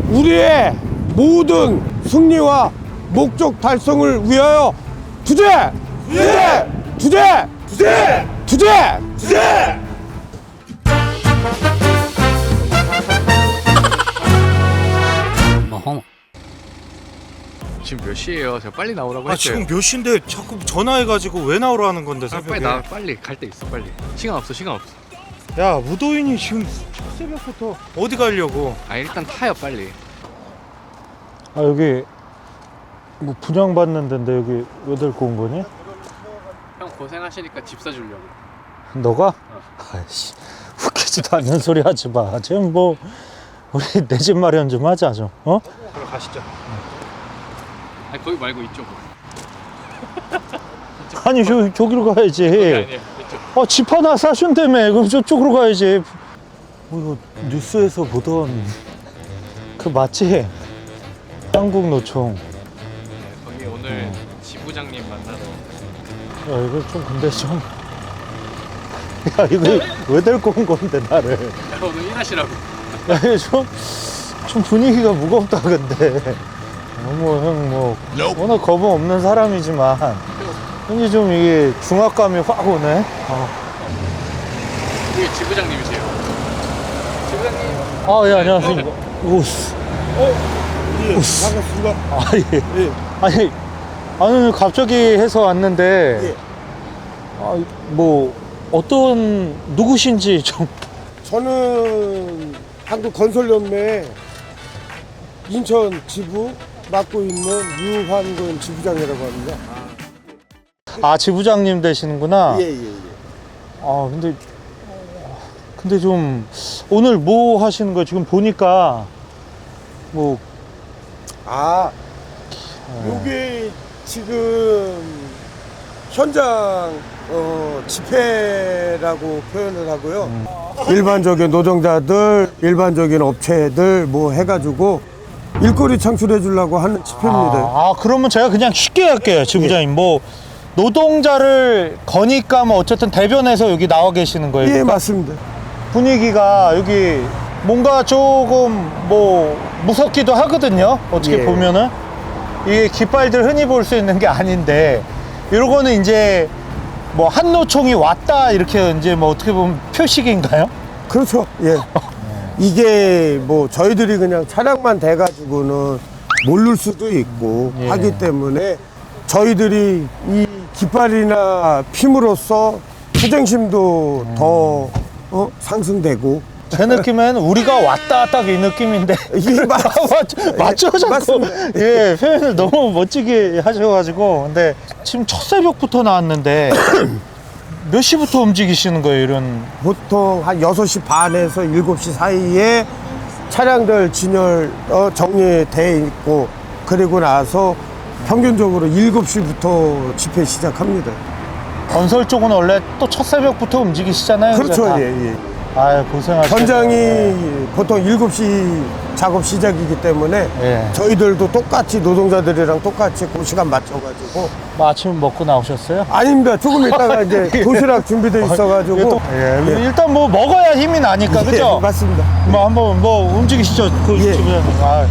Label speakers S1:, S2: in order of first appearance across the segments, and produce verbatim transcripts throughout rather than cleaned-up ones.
S1: 우리의 모든 승리와 목적 달성을 위하여 투쟁! 투쟁! 투쟁! 투쟁! 투쟁! 투쟁!
S2: 어허. 지금 몇 시에요? 제가 빨리 나오라고
S3: 아
S2: 했어요.
S3: 지금 몇 시인데 자꾸 전화해가지고 왜 나오라는 건데
S2: 아,
S3: 새벽에.
S2: 빨리 나 빨리 갈 데 있어 빨리. 시간 없어 시간 없어.
S3: 야 무도인이 지금 새벽부터 어디 가려고?
S2: 아 일단 타요 빨리.
S4: 아 여기 뭐 분양받는 데인데 여기 왜 데리고 온 거니?
S2: 형 고생하시니까 집 사주려고.
S4: 너가? 아이씨 웃기지도 않는 소리 하지 마. 지금 뭐 우리 내 집 마련 좀 하자 좀. 어?
S2: 그럼 가시죠. 아니 거기 말고 이쪽으로.
S4: 아니 저, 저기로 가야지.
S2: 아니에요 이쪽.
S4: 어, 집 하나 사준다며. 그럼 저쪽으로 가야지. 뭐 이거 뉴스에서 보던 그 맞지? 한국노총.
S2: 네, 거기 오늘 지부장님 만나러.
S4: 야 이거 좀 근데 좀. 야 이거 왜 데리고 온 건데 나를.
S2: 야, 오늘 일하시라고.
S4: 야 이거 좀, 좀 분위기가 무겁다 근데. 너무 형 뭐 워낙 겁은 없는 사람이지만 왠지 좀 이게 중압감이 확 오네. 아.
S2: 여기 지부장님이세요. 지부장님.
S4: 아, 예, 안녕하십니까. 오,
S1: 예, 반갑습니다.
S4: 아, 예.
S1: 예.
S4: 아니, 아니, 갑자기 해서 왔는데,
S1: 예.
S4: 아, 뭐, 어떤, 누구신지 좀.
S1: 저는 한국건설연맹 인천 지부 맡고 있는 유환근 지부장이라고 합니다.
S4: 아, 지부장님 되시는구나.
S1: 예, 예, 예.
S4: 아, 근데, 근데 좀, 오늘 뭐 하시는 거예요? 지금 보니까, 뭐,
S1: 아, 요게 지금 현장 어, 집회라고 표현을 하고요.
S4: 음.
S1: 일반적인 노동자들, 일반적인 업체들 뭐 해가지고 일거리 창출해 주려고 하는 집회입니다.
S4: 아, 아, 그러면 제가 그냥 쉽게 할게요, 지부장님. 뭐, 노동자를 거니까 뭐, 어쨌든 대변해서 여기 나와 계시는 거예요?
S1: 예,
S4: 그러니까?
S1: 맞습니다.
S4: 분위기가 여기 뭔가 조금 뭐 무섭기도 하거든요. 어떻게
S1: 예.
S4: 보면은 이게 깃발들 흔히 볼 수 있는 게 아닌데 이런 거는 이제 뭐 한노총이 왔다 이렇게 이제 뭐 어떻게 보면 표식인가요?
S1: 그렇죠. 예. 이게 뭐 저희들이 그냥 차량만 대가지고는 모를 수도 있고
S4: 예.
S1: 하기 때문에 저희들이 이 깃발이나 핌으로써 투쟁심도
S4: 음.
S1: 더 어? 상승되고.
S4: 제 느낌엔 우리가 왔다 딱 이 느낌인데
S1: 이게 맞,
S4: 맞, 맞죠 자꾸
S1: 맞습니다.
S4: 예 표현을 너무 멋지게 하셔가지고 근데 지금 첫 새벽부터 나왔는데 몇 시부터 움직이시는 거예요 이런?
S1: 보통 한 여섯 시 반에서 일곱 시 사이에 차량들 진열 어, 정리돼 있고 그리고 나서 평균적으로 일곱 시부터 집회 시작합니다.
S4: 건설 쪽은 원래 또 첫 새벽부터 움직이시잖아요.
S1: 그렇죠.
S4: 다.
S1: 예, 예.
S4: 아유 고생하셨어요.
S1: 현장이 보통 일곱 시 작업 시작이기 때문에
S4: 예.
S1: 저희들도 똑같이 노동자들이랑 똑같이 그 시간 맞춰가지고.
S4: 뭐 아침 먹고 나오셨어요?
S1: 아닙니다. 조금 있다가 이제 도시락 준비돼 있어가지고.
S4: 이게 또- 예,
S1: 예.
S4: 일단 뭐 먹어야 힘이 나니까 그죠?
S1: 예, 맞습니다.
S4: 뭐 한번 뭐 움직이시죠. 그
S1: 예.
S4: 지금 아,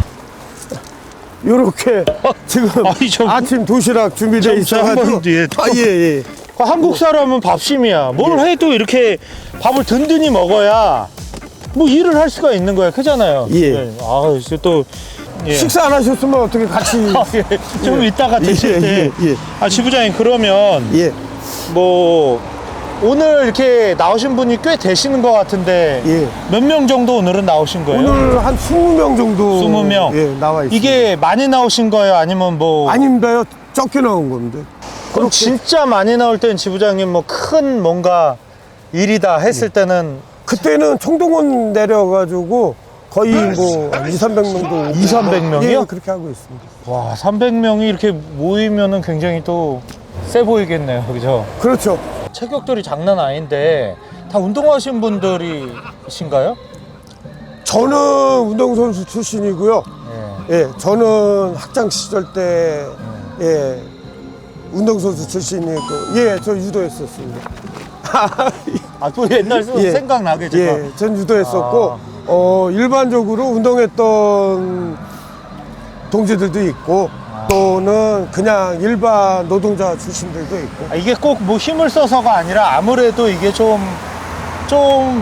S1: 요렇게 지금
S4: 아니, 저-
S1: 아침 도시락 준비돼
S4: 저- 저
S1: 있어가지고.
S4: 한번 뒤에
S1: 아, 예, 예.
S4: 그 한국 사람은 밥심이야. 뭘
S1: 예.
S4: 해도 이렇게 밥을 든든히 먹어야 뭐 일을 할 수가 있는 거야. 크잖아요.
S1: 예.
S4: 아, 이제 또 예.
S1: 식사 안 하셨으면 어떻게 같이.
S4: 아, 예. 좀
S1: 예.
S4: 이따가 드실
S1: 예,
S4: 때.
S1: 예, 예.
S4: 아, 지부장님 그러면
S1: 예,
S4: 뭐 오늘 이렇게 나오신 분이 꽤 되시는 것 같은데
S1: 예.
S4: 몇 명 정도 오늘은 나오신 거예요?
S1: 오늘 한 이십 명 정도.
S4: 이십 명?
S1: 예, 나와 있습니다.
S4: 이게 많이 나오신 거예요? 아니면 뭐
S1: 아닙니다요. 적게 나온 겁니다.
S4: 그럼 진짜 많이 나올 때는 지부장님 뭐 큰 뭔가 일이다 했을 때는
S1: 그때는 총동원 내려가지고 거의 뭐 이삼백 명도.
S4: 이삼백 명이요?
S1: 예, 그렇게 하고 있습니다.
S4: 와 삼백 명이 이렇게 모이면은 굉장히 또 세 보이겠네요. 그죠?
S1: 그렇죠.
S4: 체격들이 장난 아닌데 다 운동하신 분들이신가요?
S1: 저는 운동선수 출신이고요.
S4: 예.
S1: 예, 저는 학창 시절 때, 예, 운동선수 출신이고, 예, 저 유도했었습니다.
S4: 아, 또 옛날
S1: 예.
S4: 생각나게 제가.
S1: 예, 전 유도했었고,
S4: 아.
S1: 어, 일반적으로 운동했던 동지들도 있고 또는 그냥 일반 노동자 출신들도 있고.
S4: 아, 이게 꼭 뭐 힘을 써서가 아니라 아무래도 이게 좀, 좀,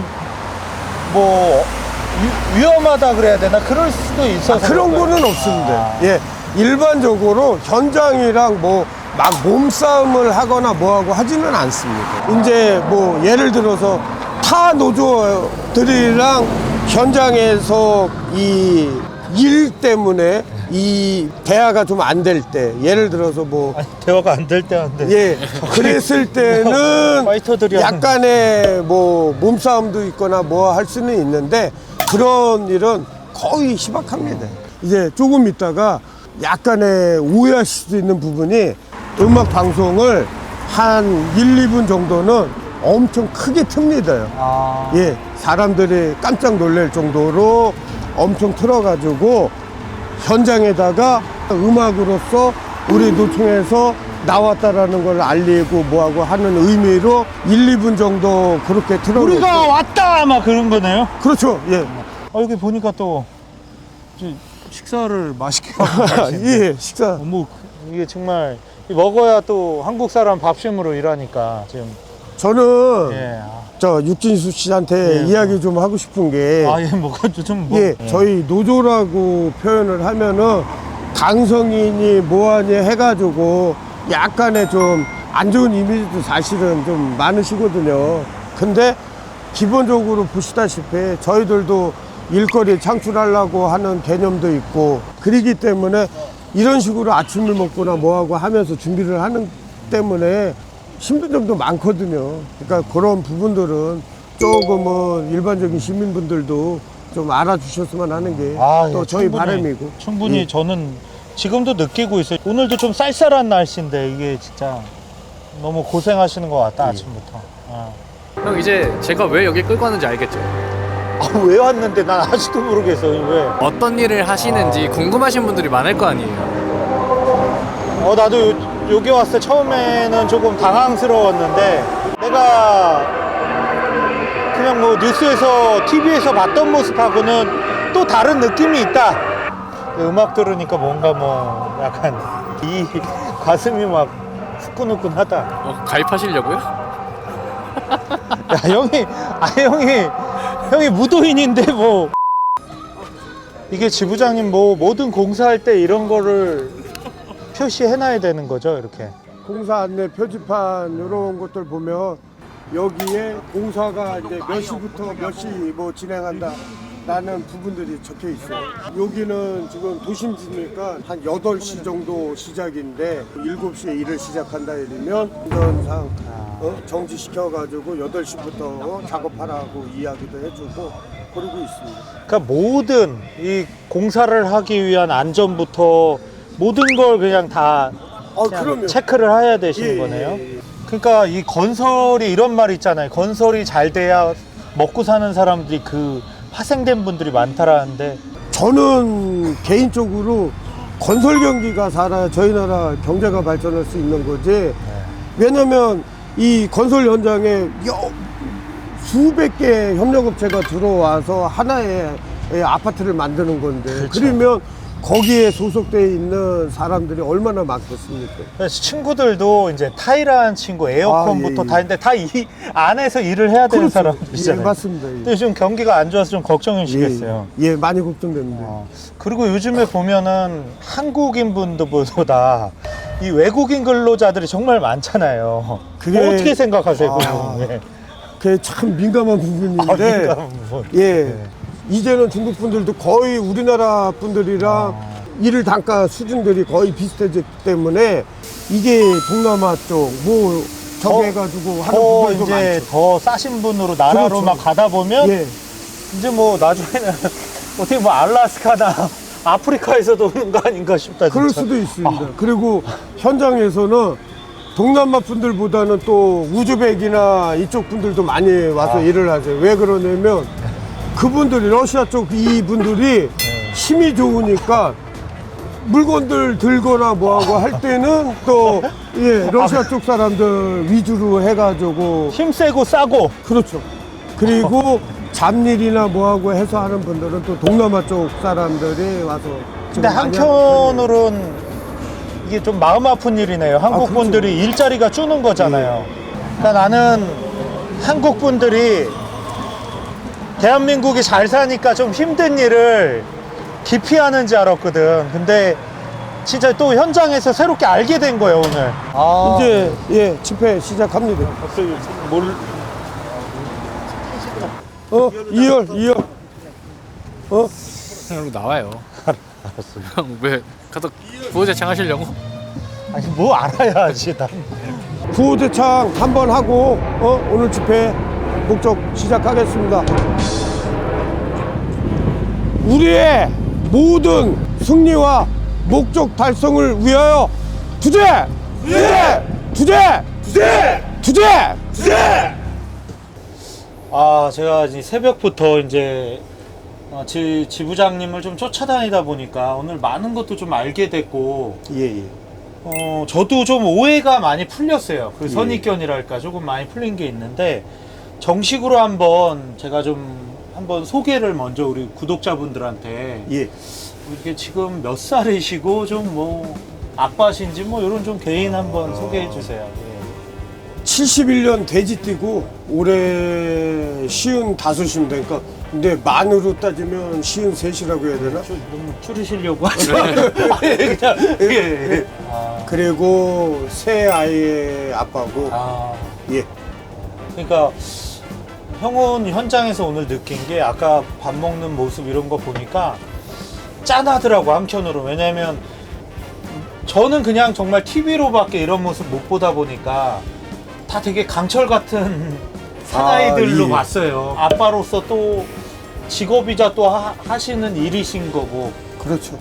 S4: 뭐, 위, 위험하다 그래야 되나? 그럴 수도 있어서.
S1: 아, 그런
S4: 그런가요?
S1: 거는 없습니다.
S4: 아.
S1: 예, 일반적으로 현장이랑 뭐 막 몸싸움을 하거나 뭐하고 하지는 않습니다. 이제 뭐 예를 들어서 타 노조들이랑 현장에서 이 일 때문에 이 대화가 좀 안 될 때, 예를 들어서 뭐
S4: 아니, 대화가 안 될 때 한데.
S1: 예, 그랬을 때는
S4: 파이터들이 하는-
S1: 약간의 뭐 몸싸움도 있거나 뭐 할 수는 있는데 그런 일은 거의 희박합니다. 이제 조금 있다가 약간의 오해하실 수 있는 부분이 음악 방송을 한 일, 이 분 정도는 엄청 크게 틉니다.
S4: 아.
S1: 예, 사람들이 깜짝 놀랄 정도로 엄청 틀어가지고 현장에다가 음악으로서 우리 노총에서 나왔다라는 걸 알리고 뭐하고 하는 의미로 일, 이 분 정도 그렇게 틀어놓고.
S4: 우리가 왔다! 막 그런 거네요.
S1: 그렇죠. 예.
S4: 아, 여기 보니까 또 이제 식사를 맛있게 하고 계시는데.
S1: 예, 식사.
S4: 뭐 이게 정말 먹어야 또 한국 사람 밥심으로 일하니까 지금.
S1: 저는
S4: 예. 아,
S1: 저 육진수 씨한테
S4: 예,
S1: 이야기 좀 하고 싶은 게
S4: 아, 예, 뭐가 좀 뭐.
S1: 예, 저희 노조라고 표현을 하면은 강성인이 뭐하니 해가지고 약간의 좀 안 좋은 이미지도 사실은 좀 많으시거든요. 근데 기본적으로 보시다시피 저희들도 일거리 창출하려고 하는 개념도 있고 그러기 때문에 이런 식으로 아침을 먹거나 뭐하고 하면서 준비를 하는 때문에 힘든 점도 많거든요. 그러니까 그런 부분들은 조금은 일반적인 시민분들도 좀 알아주셨으면 하는 게 또
S4: 아, 예,
S1: 저희
S4: 충분히,
S1: 바람이고.
S4: 충분히
S1: 예.
S4: 저는 지금도 느끼고 있어요. 오늘도 좀 쌀쌀한 날씨인데 이게 진짜 너무 고생하시는 것 같다, 아침부터. 아.
S2: 형 이제 제가 왜 여기 끌고 왔는지 알겠죠?
S4: 아, 왜 왔는데 난 아직도 모르겠어. 왜?
S2: 어떤 일을 하시는지 궁금하신 분들이 많을 거 아니에요.
S4: 어, 나도 요, 여기 왔을 때 처음에는 조금 당황스러웠는데 내가 그냥 뭐 뉴스에서 티비에서 봤던 모습하고는 또 다른 느낌이 있다. 음악 들으니까 뭔가 뭐 약간 이 가슴이 막 후끈후끈하다.
S2: 어, 가입하시려고요?
S4: 야, 형이, 아, 형이, 형이 무도인인데 뭐. 이게 지부장님 뭐 모든 공사할 때 이런 거를 표시해놔야 되는 거죠, 이렇게.
S1: 공사 안내 표지판 이런 것들 보면 여기에 공사가 이제 몇 시부터 몇 시 뭐 진행한다 라는 부분들이 적혀 있어요. 여기는 지금 도심지니까 한 여덟 시 정도 시작인데 일곱 시에 일을 시작한다 이러면 운전상 어? 정지시켜가지고 여덟 시부터 작업하라고 이야기도 해주고 그러고 있습니다.
S4: 그러니까 모든 이 공사를 하기 위한 안전부터 모든 걸 그냥 다
S1: 아,
S4: 그냥
S1: 그럼요.
S4: 체크를 해야 되시는
S1: 예,
S4: 거네요.
S1: 예, 예.
S4: 그러니까 이 건설이 이런 말 있잖아요. 건설이 잘 돼야 먹고 사는 사람들이 그 파생된 분들이 많다라는데
S1: 저는 개인적으로 건설 경기가 살아야 저희 나라 경제가 발전할 수 있는 거지. 왜냐면 이 건설 현장에 여- 수백 개 협력업체가 들어와서 하나의 아파트를 만드는 건데
S4: 그렇죠.
S1: 그러면 거기에 소속되어 있는 사람들이 얼마나 많겠습니까?
S4: 그래서 친구들도 이제 타일한 친구 에어컨부터
S1: 아, 예, 예.
S4: 다 있는데 다 이 안에서 일을 해야 되는
S1: 그렇죠.
S4: 사람들이잖아요.
S1: 예, 맞습니다. 예.
S4: 근데 요즘 경기가 안 좋아서 좀 걱정이시겠어요.
S1: 예, 예, 많이 걱정됩니다.
S4: 어, 그리고 요즘에 보면은 한국인 분들보다 이 외국인 근로자들이 정말 많잖아요.
S1: 그게-
S4: 어떻게 생각하세요?
S1: 아,
S4: 그거? 예.
S1: 그게 참 민감한 부분인데
S4: 아, 민감한 부분.
S1: 예.
S4: 네.
S1: 이제는 중국 분들도 거의 우리나라 분들이랑
S4: 아.
S1: 일 단가 수준들이 거의 비슷해졌기 때문에 이게 동남아 쪽 뭐 저기
S4: 더-
S1: 해가지고 하는
S4: 더
S1: 부분도
S4: 이제
S1: 많죠.
S4: 더 싸신 분으로 나라로
S1: 그렇죠.
S4: 막 가다 보면
S1: 예.
S4: 이제 뭐 나중에는 어떻게 뭐 알라스카나 아프리카에서도 오는 거 아닌가 싶다. 진짜.
S1: 그럴 수도 있습니다. 그리고 현장에서는 동남아 분들보다는 또 우즈벡이나 이쪽 분들도 많이 와서
S4: 아.
S1: 일을 하세요. 왜 그러냐면 그분들이 러시아 쪽 이분들이 힘이 좋으니까 물건들 들거나 뭐하고 할 때는 또 예, 러시아 쪽 사람들 위주로 해가지고
S4: 힘 세고 싸고
S1: 그렇죠. 그리고 잡일이나 뭐하고 해서 하는 분들은 또 동남아 쪽 사람들이 와서
S4: 근데
S1: 지금 많이
S4: 한편으로는 이게 좀 마음 아픈 일이네요. 한국
S1: 그렇죠.
S4: 분들이 일자리가 주는 거잖아요. 그러니까 나는 한국 분들이 대한민국이 잘 사니까 좀 힘든 일을 기피하는지 알았거든. 근데 진짜 또 현장에서 새롭게 알게 된 거예요, 오늘. 아,
S1: 이제 예 집회 시작합니다.
S4: 갑자기 뭘
S1: 어 이열 이열 어
S2: 형 나와요. 알았어. 형 왜 가서 부호대창 하시려고?
S4: 아니 뭐 알아야지 난.
S1: 구호대창 한번 하고 어 오늘 집회 목적 시작하겠습니다. 우리의 모든 승리와 목적 달성을 위하여 투쟁! 투쟁! 투쟁! 투쟁! 투쟁! 투쟁!
S4: 아, 제가 이제 새벽부터 이제 어, 지, 지부장님을 좀 쫓아다니다 보니까 오늘 많은 것도 좀 알게 됐고,
S1: 예예.
S4: 어, 저도 좀 오해가 많이 풀렸어요. 그
S1: 예.
S4: 선입견이랄까 조금 많이 풀린 게 있는데, 정식으로 한번 제가 좀 한번 소개를 먼저 우리 구독자분들한테
S1: 예.
S4: 이게 지금 몇 살이시고 좀 뭐 아빠신지 뭐 이런 좀 개인 한번 소개해 주세요. 예.
S1: 칠십일 년 돼지띠고 올해 쉬운 다섯이면 되니까 근데 만으로 따지면 쉬운 셋이라고 해야 되나?
S4: 좀 너무 줄이시려고 하죠. 아니, 그냥 예, 예. 아,
S1: 그리고 새 아이의 아빠고
S4: 아,
S1: 예.
S4: 그러니까 형은 현장에서 오늘 느낀 게 아까 밥 먹는 모습 이런 거 보니까 짠하더라고 한편으로. 왜냐면 저는 그냥 정말 티비로밖에 이런 모습 못 보다 보니까 다 되게 강철 같은 사나이들로
S1: 아, 예.
S4: 봤어요. 아빠로서 또 직업이자 또 하, 하시는 일이신 거고.
S1: 그렇죠.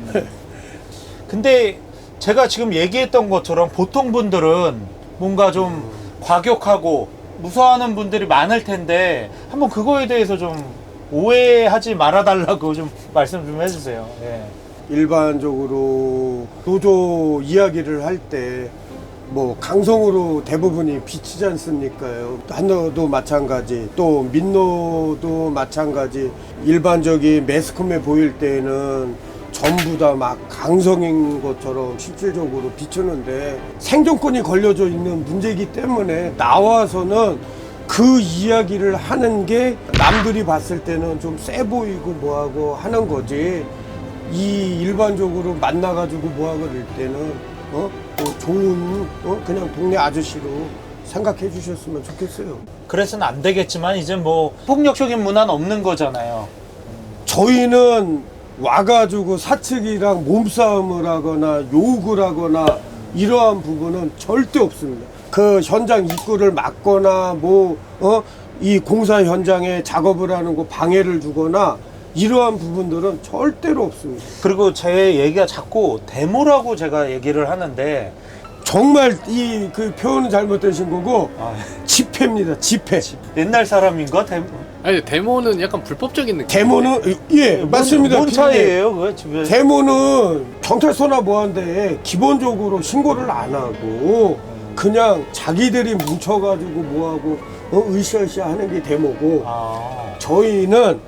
S4: 근데 제가 지금 얘기했던 것처럼 보통 분들은 뭔가 좀 과격하고 무서워하는 분들이 많을 텐데 한번 그거에 대해서 좀 오해하지 말아달라고 좀 말씀 좀 해주세요. 예.
S1: 일반적으로 노조 이야기를 할 때 뭐 강성으로 대부분이 비치지 않습니까요? 한노도 마찬가지, 또 민노도 마찬가지. 일반적인 매스컴에 보일 때는 전부 다 막 강성인 것처럼 실질적으로 비추는데 생존권이 걸려져 있는 문제이기 때문에 나와서는 그 이야기를 하는 게 남들이 봤을 때는 좀 세 보이고 뭐하고 하는 거지. 이 일반적으로 만나가지고 뭐하고 그럴 때는 어? 뭐 좋은 어? 그냥 동네 아저씨로 생각해 주셨으면 좋겠어요.
S4: 그래서는 안 되겠지만 이제 뭐 폭력적인 문화는 없는 거잖아요.
S1: 저희는 와가지고 사측이랑 몸싸움을 하거나 욕을 하거나 이러한 부분은 절대 없습니다. 그 현장 입구를 막거나 뭐, 어? 이 공사 현장에 작업을 하는 거 방해를 주거나 이러한 부분들은 절대로 없습니다.
S4: 그리고 제 얘기가 자꾸 데모라고 제가 얘기를 하는데
S1: 정말 이 그 표현은 잘못되신 거고
S4: 아,
S1: 집회입니다. 집회.
S4: 옛날 사람인가? 데모?
S2: 아니 데모는 약간 불법적인 느낌.
S1: 데모는 예 맞습니다.
S4: 뭔
S1: 피디님.
S4: 차이예요? 그거 집에
S1: 데모는 경찰서나 뭐한데 기본적으로 신고를 안 하고 그냥 자기들이 뭉쳐가지고 뭐하고 어, 으쌰으쌰 하는 게 데모고
S4: 아,
S1: 저희는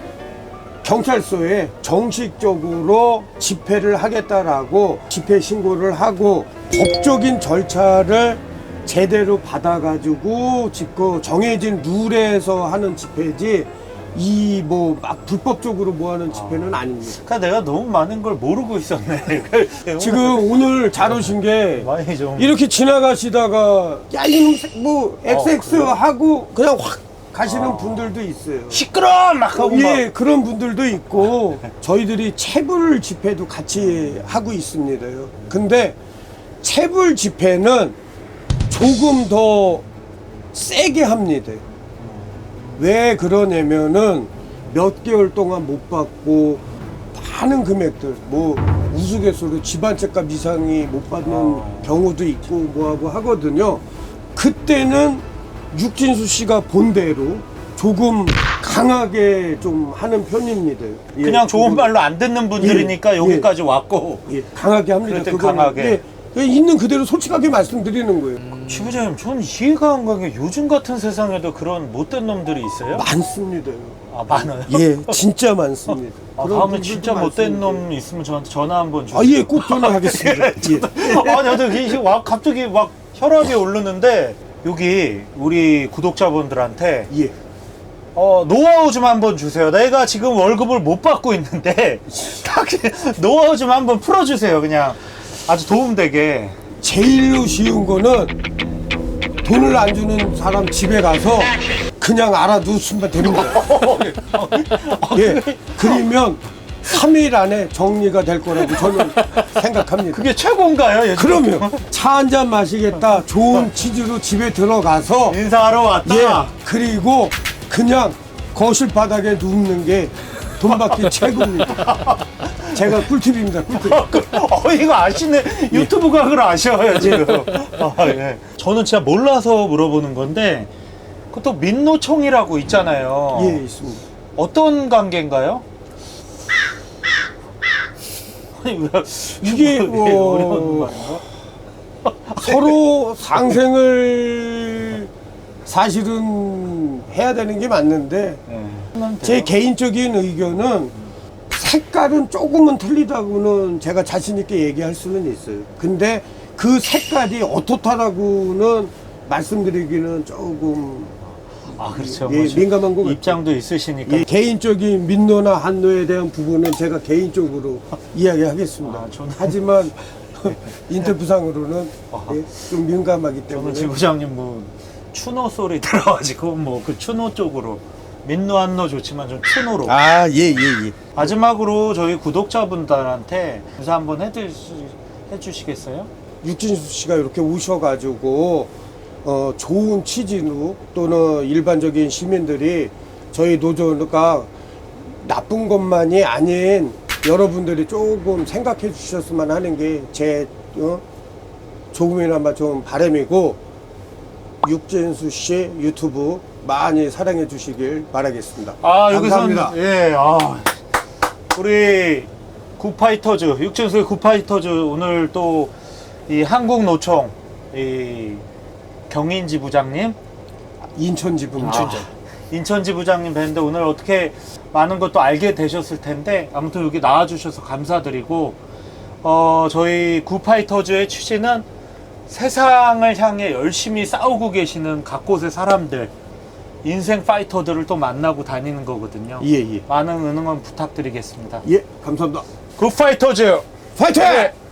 S1: 경찰서에 정식적으로 집회를 하겠다라고 집회 신고를 하고 법적인 절차를 제대로 받아가지고 짓고 정해진 룰에서 하는 집회지 이 뭐 막 불법적으로 뭐 하는 집회는 아닙니다.
S4: 그러니까 내가 너무 많은 걸 모르고 있었네.
S1: 지금 오늘 잘 오신 게
S4: 많이 좀
S1: 이렇게 지나가시다가 야 이놈 뭐 엑스엑스
S4: 그래요?
S1: 하고 그냥 확 가시는 분들도 있어요.
S4: 시끄러 막 하고
S1: 예,
S4: 막.
S1: 그런 분들도 있고 저희들이 체불 집회도 같이 하고 있습니다요. 근데 체불 집회는 조금 더 세게 합니다. 왜 그러냐면은 몇 개월 동안 못 받고 많은 금액들 뭐 우스갯소리로 집안채값 이상이 못 받는
S4: 아.
S1: 경우도 있고 뭐하고 하거든요. 그때는 육진수 씨가 본대로 조금 강하게 좀 하는 편입니다. 예,
S4: 그냥 좋은
S1: 조금,
S4: 말로 안 듣는 분들이니까
S1: 예,
S4: 여기까지 왔고
S1: 예, 강하게 합니다.
S4: 그럴 땐
S1: 그거는.
S4: 강하게.
S1: 예, 있는 그대로 솔직하게 말씀드리는 거예요.
S4: 지부장님, 전 이해가 안 가는 게 요즘 같은 세상에도 그런 못된 놈들이 있어요?
S1: 많습니다.
S4: 아, 많아요?
S1: 예, 진짜 많습니다.
S4: 아,
S1: 그런
S4: 다음에
S1: 분들도
S4: 진짜 못된
S1: 많습니다.
S4: 놈 있으면 저한테 전화 한번 주세요.
S1: 아, 예, 꼭 전화하겠습니다. 예.
S4: 아, 나도 이게 와- 갑자기 막 혈압이 오르는데 여기 우리 구독자분들한테
S1: 예.
S4: 어, 노하우 좀 한번 주세요. 내가 지금 월급을 못 받고 있는데 딱 노하우 좀 한번 풀어주세요. 그냥 아주 도움되게.
S1: 제일로 쉬운 거는 돈을 안 주는 사람 집에 가서 그냥 알아두시면 됩니다. 예. 그러면 삼 일 안에 정리가 될 거라고 저는 생각합니다.
S4: 그게 최고인가요? 요즘?
S1: 그러면 차 한 잔 마시겠다. 좋은 치즈로 집에 들어가서
S4: 인사하러 왔다.
S1: 예. 그리고 그냥 거실 바닥에 눕는 게 돈 받기 최고입니다. 제가 꿀팁입니다. 꿀팁.
S4: 어, 이거 아시네. 유튜브 각을 아셔요, 지금. 아, 예. 저는 진짜 몰라서 물어보는 건데, 그것도 민노총이라고 있잖아요.
S1: 예, 있습니다.
S4: 어떤 관계인가요? 아니, 왜,
S1: 이게
S4: 왜
S1: 뭐-
S4: 어려운 말인가?
S1: 서로 상생을 사실은 해야 되는 게 맞는데
S4: 네.
S1: 제 개인적인 의견은 색깔은 조금은 틀리다고는 제가 자신 있게 얘기할 수는 있어요. 근데 그 색깔이 어떻다라고는 말씀드리기는 조금
S4: 아, 그렇죠.
S1: 예,
S4: 뭐
S1: 민감한 것 같아요.
S4: 입장도 있으시니까.
S1: 예, 개인적인 민노나 한노에 대한 부분은 제가 개인적으로 이야기하겠습니다.
S4: 아, 저는-
S1: 하지만 인터뷰상으로는
S4: 아.
S1: 예, 좀 민감하기
S4: 저는
S1: 때문에
S4: 지부장님 뭐 추노 소리 들어가지고 뭐 그 추노 쪽으로 민노 한노 좋지만 좀 추노로.
S1: 아, 예, 예, 예.
S4: 마지막으로 저희 구독자분들한테 인사 한번 해주시, 해주시겠어요?
S1: 육진수 씨가 이렇게 오셔가지고 어, 좋은 취지로 또는 일반적인 시민들이 저희 노조가 나쁜 것만이 아닌 여러분들이 조금 생각해 주셨으면 하는 게 제 어, 조금이나마 좀 바람이고 육진수 씨 유튜브 많이 사랑해 주시길 바라겠습니다.
S4: 아, 여기서는
S1: 감사합니다.
S4: 예, 아, 우리 굿파이터즈 육진수의 굿파이터즈 오늘 또 이 한국노총 이 경인지 부장님,
S1: 인천 지분
S4: 아, 인천지 부장님 뵀는데 오늘 어떻게 많은 것도 알게 되셨을 텐데 아무튼 여기 나와주셔서 감사드리고 어, 저희 굿파이터즈의 취지는 세상을 향해 열심히 싸우고 계시는 각곳의 사람들, 인생 파이터들을 또 만나고 다니는 거거든요.
S1: 예, 예.
S4: 많은 응원 부탁드리겠습니다.
S1: 예, 감사합니다.
S4: 굿파이터즈
S1: 파이팅!
S4: 네.